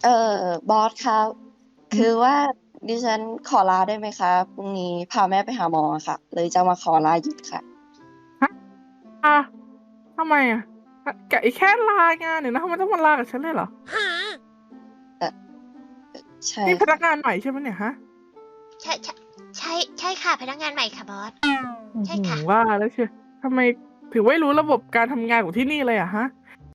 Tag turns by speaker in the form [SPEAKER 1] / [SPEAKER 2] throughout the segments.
[SPEAKER 1] บอสครับคือว่าดิฉันขอลาได้ไหมคะพรุ่งนี้พาแม่ไปหาหมอค่ะเลยจะมาขอลาหยุดค่ะ
[SPEAKER 2] ฮะอ่ะทำไมอ่ะแกแค่ลางานเนี่ยนะทำไมต้องมาลากับฉันเลยเหรอ
[SPEAKER 1] เออใช่
[SPEAKER 2] นี่พนั
[SPEAKER 1] ค่ะ
[SPEAKER 2] กงานใหม่ใช่ไหมเนี่ยฮะ
[SPEAKER 3] ใช่ใช่ใช่ค่ะพนักงานใหม่ค่ะบอส
[SPEAKER 2] โอ้โห
[SPEAKER 3] ใช่ค่ะ
[SPEAKER 2] ว่าแล้วเชียวทำไมถึงไม่รู้ระบบการทำงานของที่นี่เลยอะฮะ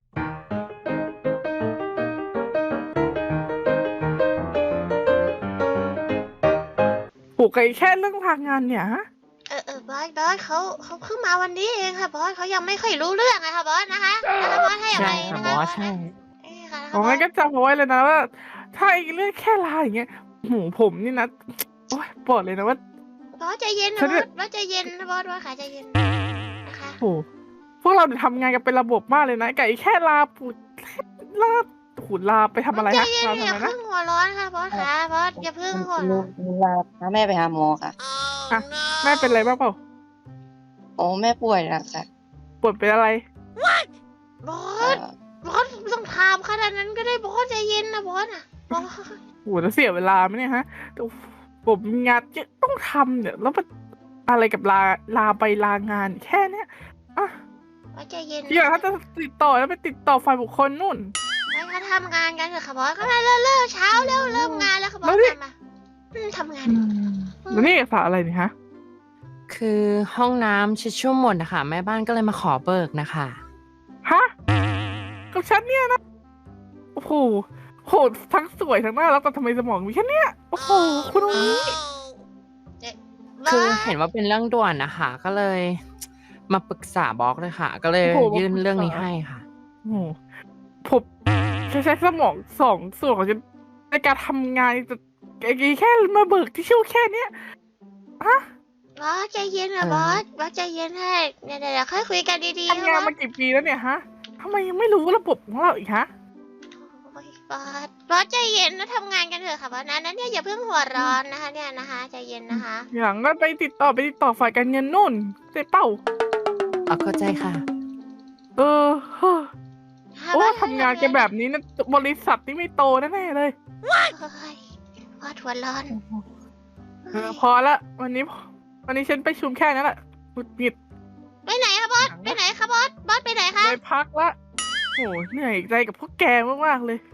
[SPEAKER 2] ผูกกับแค่เรื่องทางงานเนี่ยฮะ
[SPEAKER 3] บอสเขาเพิ่งมาวันนี้เองค่ะบอสเขายังไม่ค่อยรู้เรื่องอะค่ะบอสนะคะบอสให้อ
[SPEAKER 4] ใช่
[SPEAKER 3] ภัย
[SPEAKER 4] ค่ะ
[SPEAKER 3] นะคะบอส
[SPEAKER 4] บอสใช่
[SPEAKER 3] นะค่ะนะ
[SPEAKER 2] ของ
[SPEAKER 3] คะบอส
[SPEAKER 2] งั้นก็จำเอาไว้เลยนะว่าถ้าไอ้เรื่องแค่ลาอย่างเงี้ยโหผมนี่นะโอ้ยบอกเลยนะว่า
[SPEAKER 3] บอสใจเย็นนะ
[SPEAKER 2] ฉันเนี่ย
[SPEAKER 3] บอสใจเย็นนะบอสค่ะใจเย็นนะคะ
[SPEAKER 2] โหพวกเราเนี่ยทำงานกันเป็นระบบมากเลยนะไก่แค่ลาปูดลาหูลาไปทำอะไร
[SPEAKER 3] บอสใจ
[SPEAKER 2] ฮะ
[SPEAKER 3] เย็นอย่า
[SPEAKER 2] ลาทำไมนะ
[SPEAKER 3] เพิ่งหัวร้อนค่ะบอสค่ะบอสอย่าเพิ่งหัว
[SPEAKER 1] หนู
[SPEAKER 3] ร้อน
[SPEAKER 1] หนูลาพาแม่ไปหาหมอค่ะ
[SPEAKER 2] อ่ะแม่เป็นอะไรบ้างเปล่า
[SPEAKER 1] โอ้แม่ป่วยนะคะ
[SPEAKER 2] ปวดเป็นอะไร
[SPEAKER 3] บอ
[SPEAKER 1] เอ่
[SPEAKER 3] ส
[SPEAKER 1] อบ
[SPEAKER 3] อสต้องถามขนาดนั้นก็ได้บอสใจเย็นนะบอสอะบอส
[SPEAKER 2] โหแล้วเสียเวลาไหมเนี่ยฮะแต่ผมมีงานเยอะต้องทำเนี่ยแล้วมันอะไรกับลาไปลางานแค่เนี้ยอ่ะ
[SPEAKER 3] บอสใจเย็น
[SPEAKER 2] ทีหลังถ้าจะติดต่อแล้วไปติดต่อฝ่ายบุคคลนู่น
[SPEAKER 3] ไปเขาทำงานกันเถอะค่ะบอสก็มาเลิกเช้าแล้วเริ่มงานแล้วค่ะบอสมาทำงาน
[SPEAKER 2] แล้วนี่เอกสารอะไรเนี่ยฮะ
[SPEAKER 4] คือห้องน้ำชิชชู่หมดนะคะแม่บ้านก็เลยมาขอเบิกนะคะ
[SPEAKER 2] ฮะกับฉันเนี่ยนะโอ้โหโหทั้งสวยทั้งน่ารักแต่ทำไมสมองมีแค่เนี้ยโอ้โหคุณองนี้
[SPEAKER 4] คือเห็นว่าเป็นเรื่องด่วนนะคะก็เลยมาปรึกษาบล็อกเลยค่ะ ก็เลย
[SPEAKER 2] โอ้โห
[SPEAKER 4] ยื่นเรื่องนี้ให้ค่ะ
[SPEAKER 2] โอ้โหผมจะใช้สมองสองส่วนของฉันในการทำงานแต่แค่มาเบิกที่ชิ่วแค่เนี้ยฮะ
[SPEAKER 3] บอสใจเย็นนะบอสใจเย็นให้เดี๋ยวค่อยคุยกันดีๆ
[SPEAKER 2] ทำงานมากี่ปีแล้วเนี่ยฮะทำไมยังไม่รู้ระบบของเราอีกฮะ
[SPEAKER 3] บอสใจเย็นนะทำงานกันเถอะค่ะบอสนั้นเนี่ยอย่าเพิ่งหัวร้อนนะคะเนี่ยนะคะใจเย็นนะคะ
[SPEAKER 2] อย่างก็ไปติดต่อฝ่ายการเงินนู่นเจ๊เป้า
[SPEAKER 4] เข้าใจค่ะ
[SPEAKER 2] เออโอ้ทำงานกันแบบนี้นะบริษัทนี่ไม่โตแน่ๆเลย
[SPEAKER 3] บอสหัวร้อน
[SPEAKER 2] พอละวันนี้ฉันไปชุมแค่นั้นแหละหงุดหงิด
[SPEAKER 3] ไปไหนคะบอสไปไหนคะบอสไปไหนคะ
[SPEAKER 2] ไปพักละโอ้เหนื่อยใจกับพวกแกมากๆเลย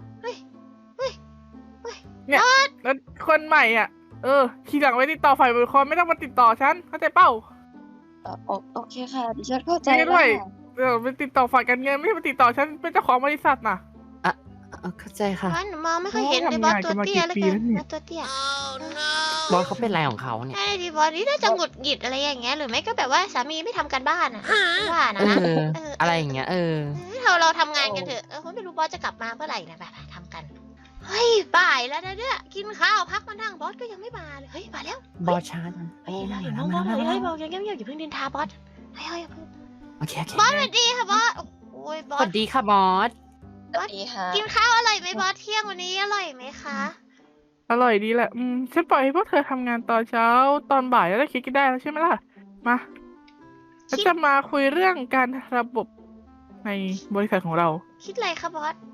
[SPEAKER 2] เนี่ยแล้วคนใหม่อ่ะทีหลังไว้ติดต่อฝ่ายบริคารไม่ต้องมาติดต่อฉันเข้าใจเป้า
[SPEAKER 1] โอเคค่ะดิฉันเข้าใจ
[SPEAKER 2] ไม่
[SPEAKER 1] แล้ว
[SPEAKER 2] ด้วย
[SPEAKER 1] ค่ะ
[SPEAKER 2] ไปติดต่อฝ่ายการเงินไม่ใช่มาติดต่อฉันเป็นเจ้าของบริษัทน่ะ
[SPEAKER 4] เข้าใจค่ะ
[SPEAKER 3] บอสหนูมองไม่ค่อยเห็นเลยบอสตัวเตี้ยเลยกันบอสตัวเตี้ย
[SPEAKER 4] บอสเขาเป็นอะไรของเขาเนี่ย
[SPEAKER 3] ใช่ดิบอสนี่น่าจะหงุดหงิดอะไรอย่างเงี้ยหรือไม่ก็แบบว่าสามีไม่ทำการบ้านอ่ะว่านะ
[SPEAKER 4] อะไรอย่างเงี้ย
[SPEAKER 3] เราทำงานกันเถอะไม่รู้บอสจะกลับมาเมื่อไหร่นะแบบทำกันเฮ้ยบ่ายแล้วนะเนี่ยกินข้าวพักมานั่งบอสก็ยังไม่มาเลยเฮ้ยมาแล้ว
[SPEAKER 4] บอสช้า
[SPEAKER 3] เฮ้ยเราอย่ามองบอสเฮ้ยบอกยังเงียบอย่าเพิ่งดินทาบอสเฮ้ย
[SPEAKER 4] โอเค
[SPEAKER 3] บอสสวัสดีค่ะบอสโอ้ยบอส
[SPEAKER 4] สวัสดีค่ะบอส
[SPEAKER 1] สวัสดีค่ะ
[SPEAKER 3] กินข้าวอร่อยไหมบอสเที่ยงวันนี้อร่อยไหมคะ
[SPEAKER 2] อร่อยดีแหละฉันปล่อยให้พวกเธอทำงานตอนเช้าตอนบ่ายแล้วคิดกันได้แล้วใช่ไหมล่ะมาฉันจะมาคุยเรื่องการระบบในบริษัทของเรา
[SPEAKER 3] คิดอะไรคะบอส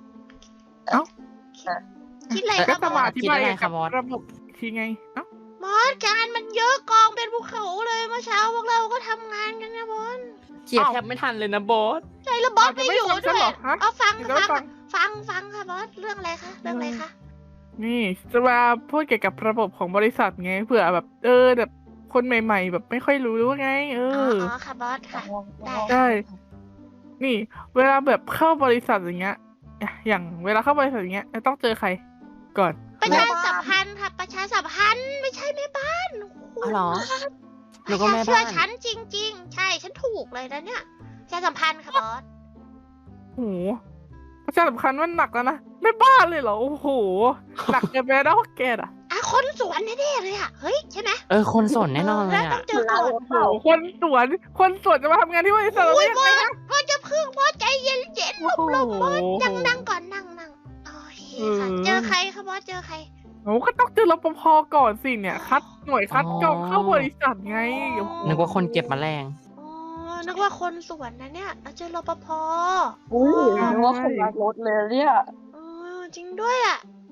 [SPEAKER 3] คิดอะไร
[SPEAKER 2] ก็
[SPEAKER 3] คะบ
[SPEAKER 2] จะ
[SPEAKER 3] อ
[SPEAKER 2] มา
[SPEAKER 3] ส
[SPEAKER 2] อธิบายกับระบบทีไง
[SPEAKER 3] บอสการมันเยอะกองเป็นภูเขาเลยเมื่อเช้าพวกเราก็ทำงานกันนะบอส
[SPEAKER 4] เกียร์แทบไม่ทันเลยนะบอส
[SPEAKER 3] ใช่แล้วบอสไม่อยู่ด้วยเอาฟังค่ะบอสเรื่องอะไรคะ
[SPEAKER 2] นี่จะมาพูดเกี่ยวกับระบบของบริษัทไงเผื่อแบบแบบคนใหม่ๆแบบไม่ค่อยรู้ไง
[SPEAKER 3] อ๋อค่ะบอสค่ะ
[SPEAKER 2] ได้นี่เวลาแบบเข้าบริษัทอย่างเงี้ยอย่างเวลาเข้าบริษัทอย่างเงี้ยต้องเจอใครก่อน
[SPEAKER 3] ประชาสัมพันธ์ค่ะประชาสัมพันธ์ไม่ใช่แม่บ้าน
[SPEAKER 4] เหรอ
[SPEAKER 3] หนูก็แม่บ้านเชื่อฉันจริงๆใช่ฉันถูกเลยนะเนี่ยประชาสัมพันธ์ค่ะบอส
[SPEAKER 2] โอ้ประชาสัมพันธ์มันหนักแล้วนะแม่บ้านเลยเหรอโอ้โหหนักเกินไปแล้วแก
[SPEAKER 3] คนสวนแน่ๆเลยเฮ้ยใช่ไหม
[SPEAKER 4] คนสวนแน่นอนเลย
[SPEAKER 3] ต้องเจอก่อน
[SPEAKER 2] คนสวนจะมาทำงานที่บริษัทเราได้ยังไงนะ
[SPEAKER 3] พ่อจะพึ่งพ่อใจเย็นลมบอสนั่งก่อนนั่งโอเคค่ะเจอใครคะบอสเจอใคร
[SPEAKER 2] ก็ต้องเจอรปภก่อนสิเนี่ยหน่วยคัดกรองเข้าบริษัทไง
[SPEAKER 4] นึกว่าคนเก็บแมลง
[SPEAKER 3] นึกว่าคนสวนนะเนี่ยเราเจอรปภ
[SPEAKER 1] นึกว่าคนรักรถเลยเนี่ย
[SPEAKER 3] จริงด้วย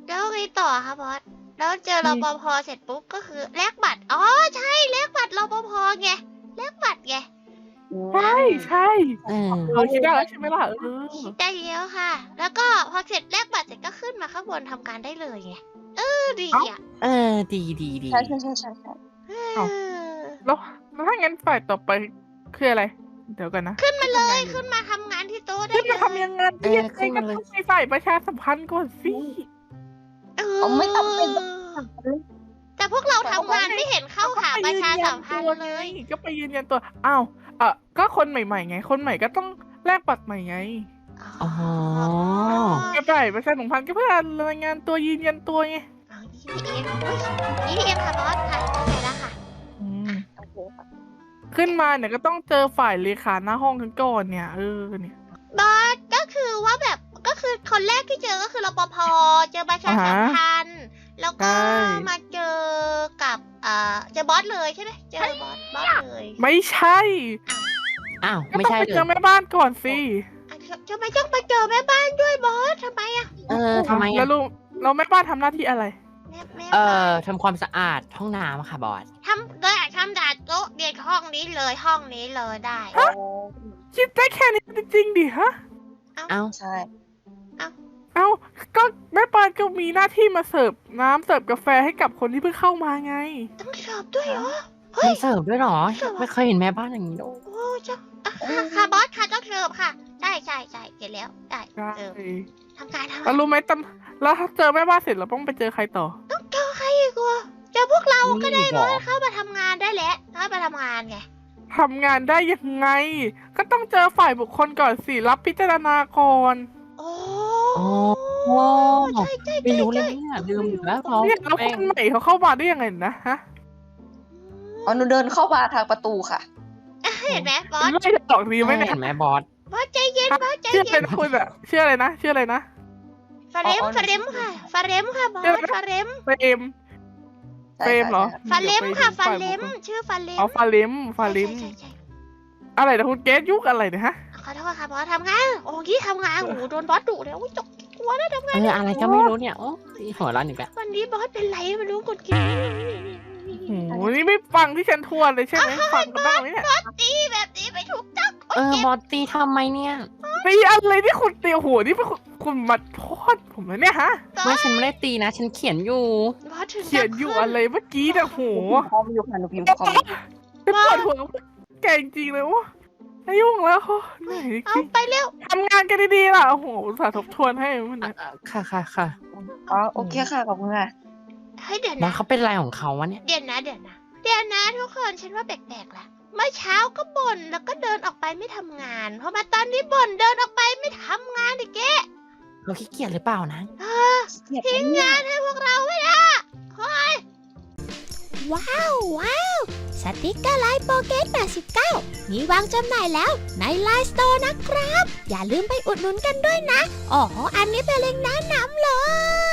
[SPEAKER 3] ต่อคะบอสแล้วเจอรปภเสร็จปุ๊บก็คือแลกบัตรอ๋อใช่แลกบัตรรปภไงแลกบัตรไง
[SPEAKER 2] ใช่ใช่ เราคิดได้แล้วใช่ไหมล่ะ
[SPEAKER 3] คิดได้แล้วค่ะ แล้วก็พอเสร็จแลกบัตรเสร็จก็ขึ้นมาข้างบนทำการได้เลยไงดีอ่ะ
[SPEAKER 4] ดี
[SPEAKER 1] ใช่
[SPEAKER 2] แล้วถ้างั้นฝ่ายต่อไปคืออะไร เดี๋ยวกันนะ
[SPEAKER 3] ขึ้นมาเลยขึ้นมาทำงานที่โต๊ะได้
[SPEAKER 2] ขึ้น
[SPEAKER 3] เล
[SPEAKER 2] มาย ทำยังไงก็ต้องไปฝ่ายประชาสัมพันธ์ก่อนสิ
[SPEAKER 1] ไม่ต้องเป็น
[SPEAKER 3] แต่พวกเราทำงานไม่เห็นเข้าหาประชาสัมพันธ์เลย
[SPEAKER 2] ก็ไปยืนยันตัวอ้าวก็คนใหม่ๆไง คนใหม่ก็ต้องแลกบัตรใหม่ไง
[SPEAKER 4] อ๋อ
[SPEAKER 2] ก็ไปประชาสัมพันธ์ก็เพื่อรายงานตัวยืนยันตัวไง
[SPEAKER 3] EDM ค่ะบอสค่ะเข้าใจแล้วค่ะ
[SPEAKER 2] ขึ้นมาเนี่ยก็ต้องเจอฝ่ายเลขาหน้าห้องกันก่อนเนี่ยเนี่ย
[SPEAKER 3] บอสก็คือว่าแบบก็คือคนแรกที่เจอก็คือรปภเจอประชาสัมพันธ์แล้วก็มาเจอกับเจอบอสเลยใช่ไหมเจอบอสเลย
[SPEAKER 2] ไม่ใช่
[SPEAKER 4] อ้าว
[SPEAKER 2] ก็
[SPEAKER 4] ไม่
[SPEAKER 2] ต้อง
[SPEAKER 4] ใช่
[SPEAKER 2] ไป
[SPEAKER 4] เล
[SPEAKER 2] เจอย แม่บ้านก่อนสิ
[SPEAKER 3] ทำไมต้องไปเจอแม่บ้านด้วยบอสทำไมอ่ะ
[SPEAKER 4] ทำไม
[SPEAKER 2] แล้วลุงเราแม่บ้านทำหน้าที่อะไร
[SPEAKER 3] แม่
[SPEAKER 4] ทำความสะอาดห้องน้ำค่ะบอส
[SPEAKER 3] ทำดัดโต๊ะเรียนห้องนี้เลยได้
[SPEAKER 2] คิดได้แค่นี้จริงๆดิฮะ
[SPEAKER 4] เอ้า
[SPEAKER 1] ใช่
[SPEAKER 2] เอ้าก็แม่บ้านก็มีหน้าที่มาเสิร์ฟน้ำเสิร์ฟกาแฟให้กับคนที่เพิ่งเข้ามาไง
[SPEAKER 3] ต้องสอบด้วยเหรอ
[SPEAKER 4] มันเสิร์ฟด้วยเหรอ ไม่เคยเห็นแม่บ้านอย่างนี้เลย
[SPEAKER 3] โอ้จ้าค่ะบอสค่ะต้องเสิร์ฟค่ะใช่เห็นแล้วได้
[SPEAKER 2] ใช่
[SPEAKER 3] เสิร์ฟทำการทำ
[SPEAKER 2] แล้วรู้ไหมแล้วถ้าเจอแม่บ้านเสร็จเราต้องไปเจอใครต่อ
[SPEAKER 3] ต้องเจอใครอีกวะเจอพวกเราก็ได้
[SPEAKER 4] นี่เหร
[SPEAKER 3] บอ
[SPEAKER 4] อ
[SPEAKER 3] สเข้ามาทำงานได้แล้วเข้ามาทำงานไง
[SPEAKER 2] ทำงานได้ยังไง ก็ต้องเจอฝ่ายบุคคลก่อนสิรับพิจารณาก่อน
[SPEAKER 3] โอ้
[SPEAKER 4] อ๋อ
[SPEAKER 3] ใช่
[SPEAKER 4] ไม่รู้เลยเนี่ยลืมอยู่แล้วเรา
[SPEAKER 2] เนี่ยแล้วคนใหม่เขาเข้ามาได้ยังไงนะฮะ
[SPEAKER 1] อ๋อหนูเดินเข้ามาทางประตูค่ะ
[SPEAKER 3] เห็นไหมบอส
[SPEAKER 2] ไม่ได้หลอกดีไหมเนี่ย
[SPEAKER 4] เห็นไหมบอส
[SPEAKER 3] บอสใจเย็นบอสใจ
[SPEAKER 2] ชื่ออะไร
[SPEAKER 3] เย็น
[SPEAKER 2] นะคุณอะชื่ออะไรนะชื่ออะไรนะ
[SPEAKER 3] ฟาเรมค่ะฟาเรมค่ะบอสฟาเรม
[SPEAKER 2] เฟรมเฟรมเหรอ
[SPEAKER 3] ฟาเรมค่ะฟาเรมชื่อฟาเรม
[SPEAKER 2] อ๋อฟาเลม
[SPEAKER 3] ใช่
[SPEAKER 2] อะไรนะคุณเกสยุคอะไรเนี่ยฮะ
[SPEAKER 3] ขอโทษค่ะบอสทำงานโอ้ยทำงานโอ้โดนบอสดุเลยโอ้ยกลัวนะทำงาน
[SPEAKER 4] อะไรก็ไม่รู้เนี่ยโอ้ยหัวร้อนอีกแล้ว
[SPEAKER 3] วันนี้บอสเป็นไรไม่รู้กดกิน
[SPEAKER 2] โอ้โหนี่ไม่ฟังที่ฉันทวนเลยใช่ไหมฟังกันบ้างไหมเนี่ย
[SPEAKER 3] บอสตีแบบนี้ไม่ถูกต้อง
[SPEAKER 4] บอสตีทำไมเนี่ย
[SPEAKER 2] ตีอะไรที่คุณตีโอ้โหนี่เป็นคุณมาโทษผมเลยเนี่ยฮะ
[SPEAKER 4] ไม่ฉันไม่ได้ตีนะ ฉันเขียนอยู่
[SPEAKER 3] บอสถึง
[SPEAKER 2] เขียนอยู่อะไรเมื่อกี้เนี่ยโห
[SPEAKER 1] พร้อมอยู่ค่ะหนูพิมพ์พร้อม
[SPEAKER 2] เป็นปวดหัวแก่จริงๆเลยวะไม่ยุ่งแล้วเหนื่อยจ
[SPEAKER 3] เอา
[SPEAKER 2] ริง
[SPEAKER 3] ไปเร็ว
[SPEAKER 2] ทำงานกันดีๆล่ะโอ้โหอุตส่าห์ทบทวนให้มันนะ
[SPEAKER 4] ค่ะ
[SPEAKER 1] อ๋อโอเคค่ะขอบคุณค่ะ
[SPEAKER 3] เฮ้ยเดี๋ยว
[SPEAKER 4] บอส
[SPEAKER 3] นะ
[SPEAKER 4] เขาเป็นอะไรของเขาวะเนี่ย
[SPEAKER 3] เดี๋ยวนะทุกคนฉันว่าแปลกๆละเมื่อเช้าก็บ่นแล้วก็เดินออกไปไม่ทำงานพอมาตอนนี้บ่นเดินออกไปไม่ทำงานอีกแก
[SPEAKER 4] เราขี้เกียจหรือเปล่านะ
[SPEAKER 3] ทิ้งงานให้พวกเราไม่ได้เฮ้ยว้าวสติกเกอร์ไลน์โปเกต89มีวางจำหน่ายแล้วในไลน์สโตร์นะครับอย่าลืมไปอุดหนุนกันด้วยนะอ๋ออันนี้เป็นเล็งก์แนะนำเลย